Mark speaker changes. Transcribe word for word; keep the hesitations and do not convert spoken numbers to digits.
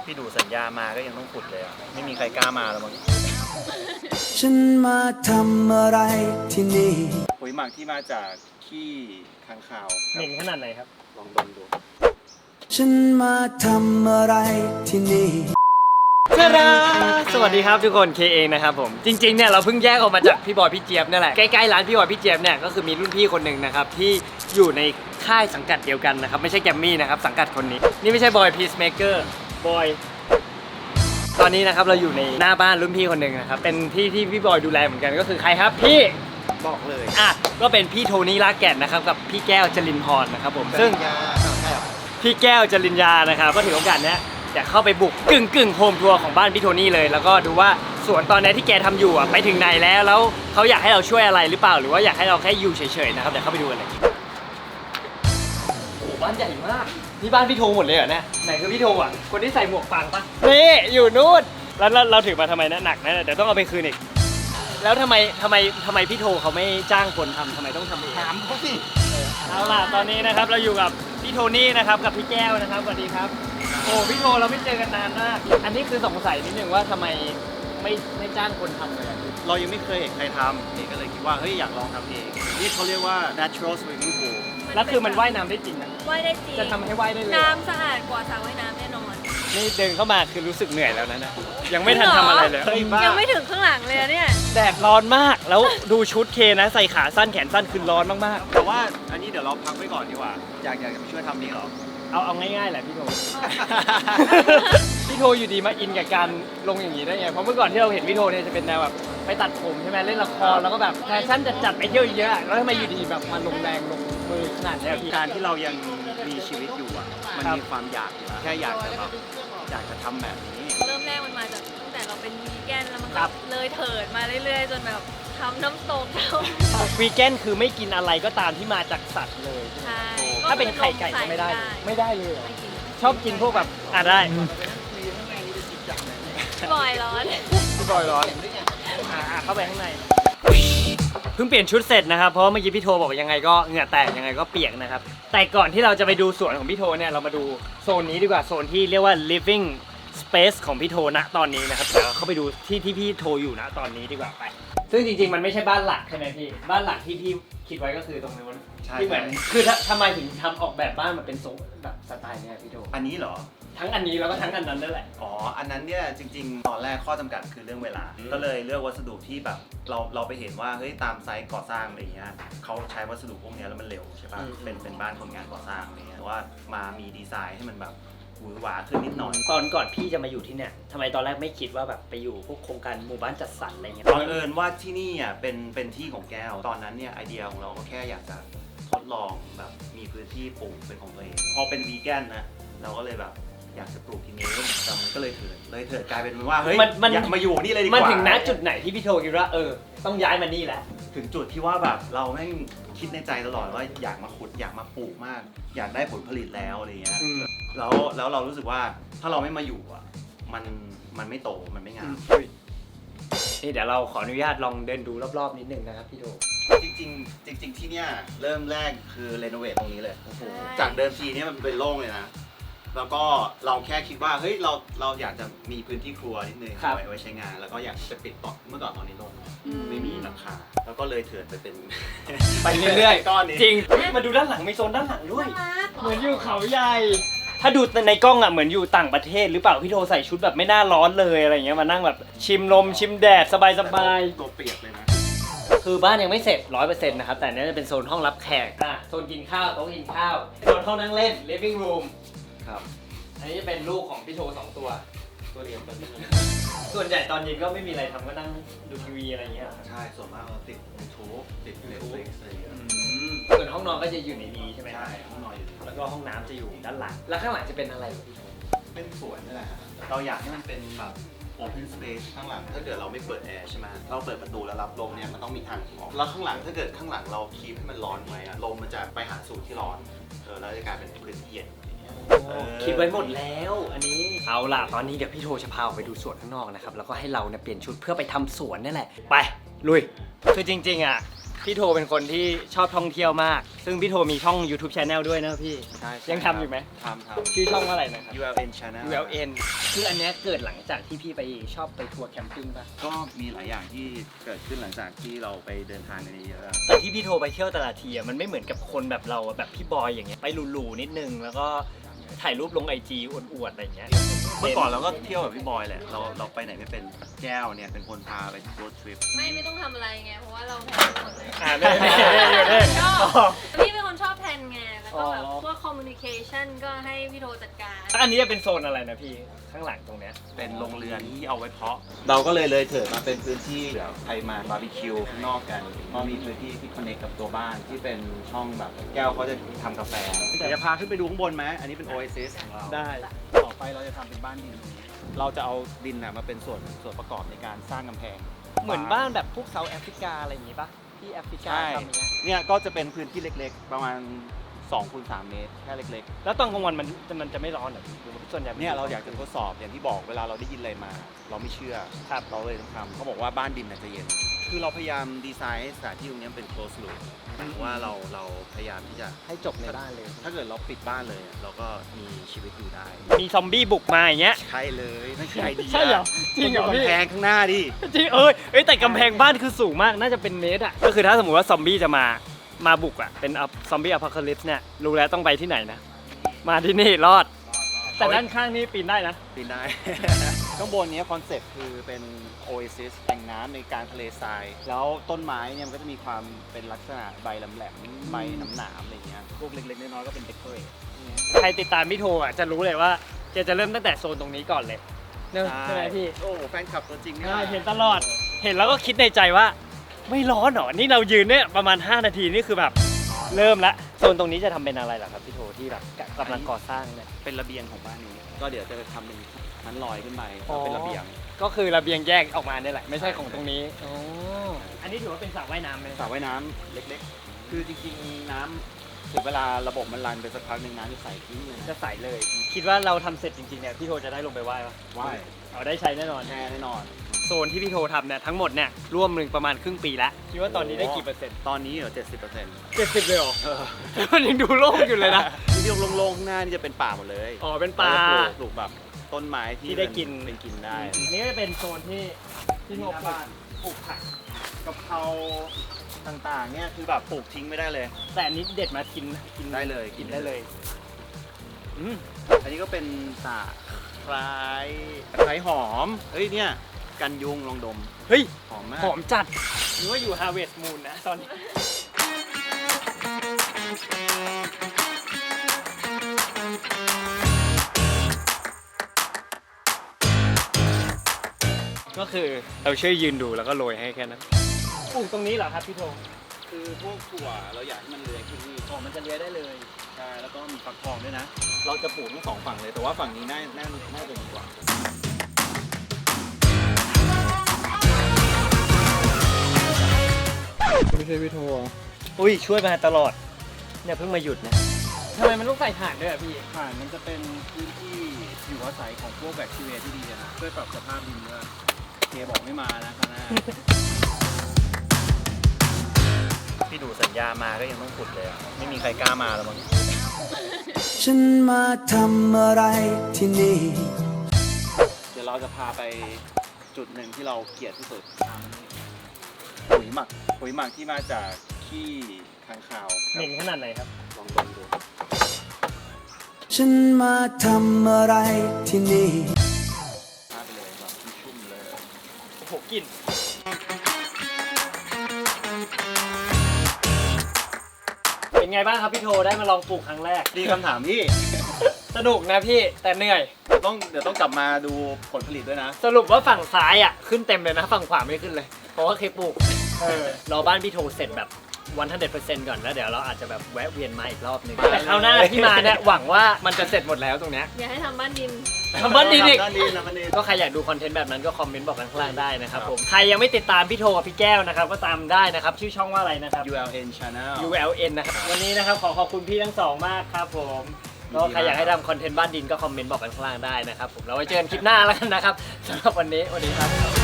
Speaker 1: พี่ดูสัญญามาก็ยังต้องขุดเลยอ่ะไม่มีใครกล้ามาแล้วมั้ง
Speaker 2: ฉันมาทำอะไรที่นี่
Speaker 1: ปุ๋ยหมักที่มาจากขี้ค้างคาว
Speaker 3: เหม็นขนาดไหนครับ
Speaker 1: ลองดมดู
Speaker 2: ฉันมาทำอะไรที่นี่
Speaker 3: สวัสดีครับทุกคนเคเองนะครับผมจริงๆเนี่ยเราเพิ่งแยกออกมาจากพี่บอยพี่เจี๊ยบนี่แหละใกล้ๆร้านพี่บอยพี่เจี๊ยบเนี่ยก็คือมีรุ่นพี่คนหนึ่งนะครับที่อยู่ในค่ายสังกัดเดียวกันนะครับไม่ใช่แกมมี่นะครับสังกัดคนนี้นี่ไม่ใช่บอยพีซเมเกอร์บอยตอนนี้นะครับเราอยู่ในหน้าบ้านรุ่นพี่คนหนึ่งนะครับเป็นที่ที่พี่บอยดูแลเหมือนกันก็คือใครครับพี่
Speaker 1: บอกเลย
Speaker 3: อ่ะก็เป็นพี่โทนี่ลากแก่นนะครับกับพี่แก้วจรินพรนะครับผมซึ่งพี่แก้วจริญญานะครับก็ถือโอกาสนี้อยากเข้าไปบุกกึ่งกึ่งโฮมทัวร์ของบ้านพี่โทนี่เลยแล้วก็ดูว่าสวนตอนนี้ที่แกทำอยู่อ่ะไปถึงไหนแล้วแล้วเขาอยากให้เราช่วยอะไรหรือเปล่าหรือว่าอยากให้เราแค่อยู่เฉยๆนะครับเดี๋ยวเข้าไปดูกันเลยโอ้บ้านใหญ่มากนี่บ้านพี่โทหมดเลยเหรอเนี่ยไหนคือพี่โทอ่ะคนที่ใส่หมวกฟางปะนี่อยู่นู่นแล้วเราถือมาทำไมนะหนักนะเดี๋ยวต้องเอาไปคืนอีกแล้วทำไมทำไมทำไมพี่โทเขาไม่จ้างคนทำทำไมต้องทำเอง
Speaker 1: ถามเขาสิ
Speaker 3: เอาล่ะตอนนี้นะครับเราอยู่กับพี่โทนี่นะครับกับพี่แก้วนะครับสวัสดีครับโอ้พี่โทเราไม่เจอกันนานมากอันนี้คือสงสัยนิดนึงว่าทำไมไม่ไม่จ้างคนทำเลย
Speaker 1: เรายังไม่เคยเห็นใครทำเองก็เลยคิดว่าเฮ้ยอยากลองทำเองนี่เขาเรียกว่า natural swimming pool
Speaker 3: แล้วคือมันว่ายน้ำได้จริงนะ
Speaker 4: ว่ายได้จริง
Speaker 3: จะทำให้ว่ายได้เลย
Speaker 4: น้ำสะอาดกว่าสระว่ายน้ำแน่นอน
Speaker 3: นี่เดินเข้ามาคือรู้สึกเหนื่อยแล้วนะนะยังไม่ทันทำอะไรเลย
Speaker 4: ยังไม่ถึงข้างหลังเลยเนี่ย
Speaker 3: แดดร้อนมากแล้วดูชุดเคนะใส่ขาสั้นแขนสั้นคือร้อนมาก
Speaker 1: ๆแต่ว่าอันนี้เดี๋ยวเราพักไว้ก่อนดีกว่าอยากอยากจะมาช่วยทำนี้หรอ
Speaker 3: เอาเอาง่ายๆแหละพี่โท พี่โทอยู่ดีมาอินกับการลงอย่างนี้ได้ไงเพราะเมื่อก่อนที่เราเห็นพี่โทเนี่ยจะเป็นแนวแบบไปตัดผมใช่ไหมเล่นละครแล้วก็แบบแฟชั่นจัดๆไปเที่ยวเยอะแล้วทำไมอยู่ดีแบบมาลงแรงลงมือขนาดนี้พี่
Speaker 1: การที่เรายังมีชีวิตอยู่อ่ะมันมีความอยากอยู่แค่อยากจะแบบอยากจะทำแบบนี้
Speaker 4: เริ่มแรกมันมาจากตั้งแต่เราเป็นวีแกนแล้วมันก็เลยเถิดมาเรื่อยๆจนแบบทำน้ำตก
Speaker 3: วีแกนคือไม่กินอะไรก็ตามที่มาจากสัตว์เลย
Speaker 4: ใช่
Speaker 3: ถ้าเป็นไข่ไก่ก็ไม่ได้ไม่ได้เลยชอบกินพวกแบบอ่ะได้
Speaker 4: พี่บอยร้อน
Speaker 3: พี่บอยร้อนอ่าเข้าไปข้างในเพิ่งเปลี่ยนชุดเสร็จนะครับเพราะเมื่อกี้พี่โทบอกยังไงก็เหงื่อแตกยังไงก็เปียกนะครับแต่ก่อนที่เราจะไปดูสวนของพี่โทเนี่ยเรามาดูโซนนี้ดีกว่าโซนที่เรียกว่า living space ของพี่โทนะตอนนี้นะครับเดี๋ยวเข้าไปดูที่ที่พี่โทอยู่นะตอนนี้ดีกว่าไปซึ่งจริงๆมันไม่ใช่บ้านหลักใช่ไหมพี่บ้านหลักที่พี่คิดไว้ก็คือตรงนู้นที่เหมือนคือทำไมถึงทำออกแบบบ้านมาเป็นทรงแบบสไตล์เนี้ยพี่โท
Speaker 1: อันนี้เหรอ
Speaker 3: ทั้งอันนี้แล้วก็ทั้งอันนั้นนั่นแหละ
Speaker 1: อ๋ออันนั้นเนี่ยจริงๆตอนแรกข้อจำกัดคือเรื่องเวลาก็เลยเลือกวัสดุที่แบบเราเราไปเห็นว่าเฮ้ยตามไซต์ก่อสร้างอะไรเงี้ยเขาใช้วัสดุพวกนี้แล้วมันเร็วใช่ป่ะเป็นเป็นบ้านคนงานก่อสร้างอะไรเงี้ยว่ามามีดีไซน์ให้มันแบบหวือหวาขึ้นนิดหน่อย
Speaker 3: ตอนก่อนพี่จะมาอยู่ที่เนี่ยทำไมตอนแรกไม่คิดว่าแบบไปอยู่พวกโครงการหมู่บ้านจัดสรรอะไรเงี้ย
Speaker 1: บังเอิญว่าที่นี่อ่ะเป็นเป็นที่ของแก้วตอนนั้นเนี่ยไอเดียของเราก็แค่อยากจะทดลองแบบมีพื้นที่ปลูกเป็นของตัวเองพอเป็นวีแกนนะเราก็เลยแบบอยากจะปลูกที่นี่แต่มันก็เลยเถิดเลยเถิดกลายเป็นว่าเฮ้ยอยากมาอยู่นี่เลยดีกว่า
Speaker 3: มันถึงณจุดไหนที่พี่โทคิดว่าเออต้องย้ายมานี่แหละ
Speaker 1: ถึงจุดที่ว่าแบบเราแม่งคิดในใจตลอดว่าอยากมาขุดอยากมาปลูกมากอยากได้ผลผลิตแล้วอะไรเงี้ยแล้วแล้วเรารู้สึกว่าถ้าเราไม่มาอยู่อ่ะมันมันไม่โตมันไม่งาม
Speaker 3: นี่เดี๋ยวเราขออนุญาตลองเดินดูรอบๆนิดนึงนะครับพี่โท
Speaker 1: จริงๆจริงๆที่เนี้ยเริ่มแรกคือเรโนเวทตรงนี้เลยจากเดิมทีเนี้ยมันเป็นโล่งเลยนะแล้วก็เราแค่คิดว่าเฮ้ยเราเราอยากจะมีพื้นที่ครัวนิดนึงไว้ไว้ใช้งานแล้วก็อยากจะปิดต่อเมื่อก่อนตอนนี้ลงไม่มีหลังคาแล้วก็เลยเถิดไปเป็น
Speaker 3: ไปเรื่อยๆก้อนนี้จริงมาดูด้านหลังมีโซนด้านหลังด้วยเหมือนอยู่เขาใหญ่ถ้าดูในกล้องอ่ะเหมือนอยู่ต่างประเทศหรือเปล่าพี่โทใส่ชุดแบบไม่น่าร้อนเลยอะไรเงี้ยมานั่งแบบชิมลมชิมแดดสบาย
Speaker 1: ๆตัวเปียกเลยนะ
Speaker 3: คือบ้านยังไม่เสร็จ ร้อยเปอร์เซ็นต์ นะครับแต่นี่จะเป็นโซนห้องรับแขกอ่ะโซนกินข้าวโต๊ะกินข้าวโซนห้องนั่งเล่น living room
Speaker 1: ครับ
Speaker 3: อันนี้จะเป็นลูกของพี่โทสองตัวตัวเดียวกันส่วนใหญ่ตอนเย็นก็ไม่มีอะไรทำก็นั่งดูทีวีอะไรเงี้ย
Speaker 1: ใช่ส่วนมากเราติดยูทูบติดเน็ตฟลิกซ์อะไรอย่างเงี้ย
Speaker 3: ส่วนห้องนอนก็จะอยู่ในนี้ใช่ไหม
Speaker 1: ใช่ห้องนอนอยู่
Speaker 3: แล้วก็ห้องน้ำจะอยู่ด้านหลังแล้วข้างหลังจะเป็นอะไรพี่โท
Speaker 1: เป็นสวนนี่แหละเราอยากให้มันเป็นแบบ open space ข้างหลังถ้าเกิดเราไม่เปิดแอร์ใช่ไหมเราเปิดประตูแล้วรับลมเนี่ยมันต้องมีทางออกแล้วข้างหลังถ้าเกิดข้างหลังเราคีบให้มันร้อนไว้ลมมันจะไปหาสูตรที่ร้อนเออแล้วจะกลายเป็นพื้นที่เย็น
Speaker 3: คิดไว้หมดแล้วอันนี้เอาล่ะตอนนี้เดี๋ยวพี่โทจะพาไปดูสวนข้างนอกนะครับแล้วก็ให้เราเนี่ยเปลี่ยนชุดเพื่อไปทำสวนนี่แหละไปลุยคือจริงๆอ่ะพี่โทเป็นคนที่ชอบท่องเที่ยวมาก ซึ่งพี่โทมีช่อง YouTube Channel ด้วยนะพี่
Speaker 1: ใช่
Speaker 3: ยังทำอยู่ไหม
Speaker 1: ทำทำ
Speaker 3: ชื่อช่องว่าอะไรนะครับ
Speaker 1: ยู แอล เอ็น Channel
Speaker 3: ยู แอล เอ็น คืออันเนี้ยเกิดหลังจากที่พี่ไปชอบไปทัวร์แคมปิ้งป่ะ
Speaker 1: ก็มีหลายอย่างที่เกิดขึ้นหลังจากที่เราไปเดินทางกันเยอะ
Speaker 3: แต่ที่พี่โทไปเที่ยวแต่ละทีอะมันไม่เหมือนกับคนแบบเราอะแบบพี่บอยอย่างเงี้ยไปหรูๆนิดนึงแล้วก็ถ่ายรูปลงไอจีอวดๆอะไรอย่างเงี้ย
Speaker 1: ๆเมื่อก่อนเราก็เที่ยวแบบพี่บอยแหละเราเราไปไหนไม่เป็นแก้วเนี่ยเป็นคนพาไปโรดทริป
Speaker 4: ไม่ไม่ต้องทำอะไรไงเพราะว่าเราแพลนหมดเลย
Speaker 3: อ่าได้ได้ได้ได้
Speaker 4: ชอบ
Speaker 3: อ๋อ
Speaker 4: พี่เป็นคนชอบแพลนไงแล้วก็แบบ
Speaker 3: อ๋อ
Speaker 4: พวกคอมมูนิเคชันก็ให้พี่โทจัดการ
Speaker 3: อันนี้จะเป็นโซนอะไรนะพี่ข้างหลังตรงเนี้ย
Speaker 1: เป็นโรงเรือนที่เอาไว้เพาะ เราก็เลยเลยเถิดมาเป็นพื้นที่เดี๋ยวใครมาบาร์บีคิวข้างนอกกันก็มีพื้นที่ที่คอนเนคกับตัวบ้านที่เป็นช่องแบบแก้วเขาจะทำกาแฟแต่จะพาขึ้นไปดูข้างบนไหมอันนี้เป็น Oasis ของเรา
Speaker 3: ได้
Speaker 1: ต่อไปเราจะทำเป็นบ้านดินตรงนี้เราจะเอาดินน่ะมาเป็นส่วนส่วนประกอบในการสร้างกำแพง
Speaker 3: เหมือนบ้านแบบพวกเซาท์แอฟริกาอะไรอย่างงี้ป่ะที่แอฟริกา
Speaker 1: ใช่
Speaker 3: ทำอย่างเงี้ย
Speaker 1: เนี่ยก็จะเป็นพื้นที่เล็กๆ ประมาณสองคูณสามเมตรแค่เล็ก
Speaker 3: แล้วตอนกลางวันมันมันจะไม่ร้อนเหรอพี่หรือว่าส่วนใหญ่
Speaker 1: ๆ เนี่ยเราอยากจะทดสอบอย่างที่บอกเวลาเราได้ยินอะไรมา เราไม่เชื่อครับเราเลยต้องทำเขาบอกว่าบ้านดินน่ะจะเย็น คือเราพยายามดีไซน์ให้สถานที่ตรงนี้เป็น close loop หมายถึงว่าเราเราพยายามที่จะ
Speaker 3: ให้จบในบ้านเลย
Speaker 1: ถ้าเกิดเราปิดบ้านเลยอะเราก็มีชีวิตอยู่ได้
Speaker 3: มีซอมบี้บุกมาอย่างเงี้ย
Speaker 1: ใช่เลยนั่นคือไอเดีย
Speaker 3: ใช่เหรอจริงเหรอ
Speaker 1: คุณดู
Speaker 3: พี่
Speaker 1: กำแพงข้างหน้าดิ
Speaker 3: จริงเอ้ยเอ้ยแต่กำแพงบ้านคือสูงมากน่าจะเป็นเมตรอ่ะก็คือถ้าสมมติว่าซอมบี้จะมามาบุกอ่ะเป็นซอมบี้อพอคาลิปส์เนี่ยรู้แล้วต้องไปที่ไหนนะมาที่นี่รอด แต่ด้านข้างนี่ปีนได้นะ
Speaker 1: ปีนได้ ข้างบนเนี้คอนเซ็ปต์คือเป็นโอเอซิสแห่งน้ำในกลางทะเลทราย แล้วต้นไม้เนี่ยมันก็จะมีความเป็นลักษณะใบแหลมๆใบหนามๆอะไรเงี้ยพวกเล็กๆน้อยๆก็เป็นเดคอเรท
Speaker 3: ใครติดตามพี่โทอ่ะจะรู้เลยว่าแกจะเริ่มตั้งแต่โซนตรงนี้ก่อนเลยเนอะใช่ไหมพี่
Speaker 1: โอ้โหแฟนคลับตัวจริงเนี่ย
Speaker 3: ใช่เห็นตลอดเห็นแล้วก็คิดในใจว่า ไม่ร้อนหรอนี่เรายืนเนี่ยประมาณห้านาทีนี่คือแบบเริ่มละโซนตรงนี้จะทำเป็นอะไรล่ะครับพี่โทที่แบบกำลังก่อสร้างเนี่ย
Speaker 1: เป็นระเบียงของบ้านนี้ ก็เดี๋ยวจะทำเป็นชั้นลอยขึ้นไป
Speaker 3: อ๋อ
Speaker 1: เป็นระเบียง
Speaker 3: ก็คือระเบียงแยกออกมาเนี่ยแหละไม่ใช่ของตรงนี้อ๋ออันนี้ถือว่าเป็นสระว่ายน้ำไหม
Speaker 1: สระว่ายน้ำเล็กๆ คือจริงๆน้ำถึงเวลาระบบมันรันไปสักพักหนึ่งน้ำจะใสทิ้งเลย
Speaker 3: จะใสเลย คิดว่าเราทำเสร็จจริงๆเนี่ยพี่โทจะได้ลงไปว่ายปะ
Speaker 1: ว่าย
Speaker 3: เอาได้ใช้แน่นอน
Speaker 1: แน่แน่นอน
Speaker 3: โซนที่พี่โททำเนี่ยทั้งหมดเนี่ยร่วมหนึ่งประมาณครึ่งปีแล้วคิดว่าตอนนี้ได้กี่เปอร์เซ็นต์
Speaker 1: ตอนนี้เหรอเจ็ดสิบเปอร์เซ็นต์
Speaker 3: เจ็ดสิบเลยเหรอมันยังดูโล่งอยู่เลยนะ
Speaker 1: ที่โล่งๆข้างหน้านี่จะเป็นป่าหมดเลย
Speaker 3: อ๋อเป็นป่า
Speaker 1: เรจะปลูกปลูกแบบต้นไม้ที่
Speaker 3: ที่ได้กิน
Speaker 1: เป็นกินได้
Speaker 3: อันนี้ก็จะเป็นโซนที่ที่โทปลูกปลูกผัก
Speaker 1: กะเพราต่างๆเนี่ยคือแบบปลูกทิ้งไม่ได้เลย
Speaker 3: แต่อันนี้เด็ดมากินกิน
Speaker 1: ได้เลย
Speaker 3: กินได้เลยอืม
Speaker 1: อันนี้ก็เป็นสาคล้ายตะไคร้หอม เฮ้ยเนี่ยกันยุงลองดม
Speaker 3: เฮ้ย
Speaker 1: หอมมาก
Speaker 3: หอมจัดหรือว่าอยู่ Harvest Moon นะตอนนี้ก็คือเราช่วยยืนดูแล้วก็โรยให้แค่นั้นปลูกตรงนี้เหรอครับพี่โท
Speaker 1: คือพวกถั่วเราอยากให้มันเลื้อยขึ้นนี่
Speaker 3: อ๋อมันจะเลี้ยได้เลย
Speaker 1: ใช่แล้วก็มีฟักทองด้วยนะ เราจะปลูกทั้งสองฝั่งเลยแต่ว่าฝั่งนี้น่าน่าน่าจะดีกว่า
Speaker 5: ไม่ใช่พี่โทร
Speaker 3: อุ้ยช่วยมาตลอดเนี่ยเพิ่งมาหยุดนะทำไมมันต้องใส่ถ่านด้วยอ่ะพี่
Speaker 1: ผ่านมันจะเป็นพื้นที่อยู่อาศัยของพวกแบคทีเรียที่ดีนะช่วยปรับสภาพดินด้วยเคบอกไม่มานะข้างหน้า พี่ดูสัญญามาก็ยังต้องขุดเลยอะไม่มีใครกล้ามาแล้วมั้ง
Speaker 2: ฉันมาทำอะไรที่นี่
Speaker 1: เดี๋ยวเราจะพาไปจุดหนึ่งที่เราเกลียดที่สุดปุ๋ยหมักปุ๋ยหมักที่มาจากขี้ค้างคาว
Speaker 3: เหม็นขนาดไหนครับ
Speaker 1: ลองดมดู
Speaker 2: ฉันมาทำอะไรที่นี่
Speaker 1: พาไปเลยแบบชุ่มๆเลย
Speaker 3: โอ้โหกลิ่นเป็นไงบ้างครับพี่โทได้มาลองปลูกครั้งแรก
Speaker 1: นี่คำถามพี่
Speaker 3: สนุกนะพี่แต่เหนื่อย
Speaker 1: ต้องเดี๋ยวต้องกลับมาดูผลผลิตด้วยนะ
Speaker 3: สรุปว่าฝั่งซ้ายอ่ะขึ้นเต็มเลยนะฝั่งขวาไม่ขึ้นเลย เพราะว่าเคยปลูกเออรอบ้านพี่โทเสร็จแบบวันทันเด็ดเปอร์เซ็นต์ก่อนแล้วเดี๋ยวเราอาจจะแบบแวะเวียนมาอีกรอบหนึงแต่คราวหน้าที่มาเนี่ยหวังว่ามันจะเสร็จหมดแล้วตรงเนี้ย
Speaker 4: อย่าให้ทำบ้านดิน
Speaker 3: ทำบ้านดีอีก
Speaker 1: บ้านดีนะบ้านดี
Speaker 3: ก็ใครอยากดูคอนเทนต์แบบนั้นก็คอมเมนต์บอกกันข้างล่างได้นะครับผมใครยังไม่ติดตามพี่โทกับพี่แก้วนะครับก็ตามได้นะครับชื่อช่องว่าอะไรนะครับ
Speaker 1: ยู แอล เอ็น Channel
Speaker 3: ยู แอล เอ็น นะครับวันนี้นะครับขอขอบคุณพี่ทั้งสองมากครับผมก็ใครอยากให้ทำคอนเทนต์บ้านดินก็คอมเมนต์บอกกันข้างล่างได้นะครับผมเราไว้เจอกันคลิปหน้าแล้วกันนะครับสำหรับวันนี้วันนี้ครับ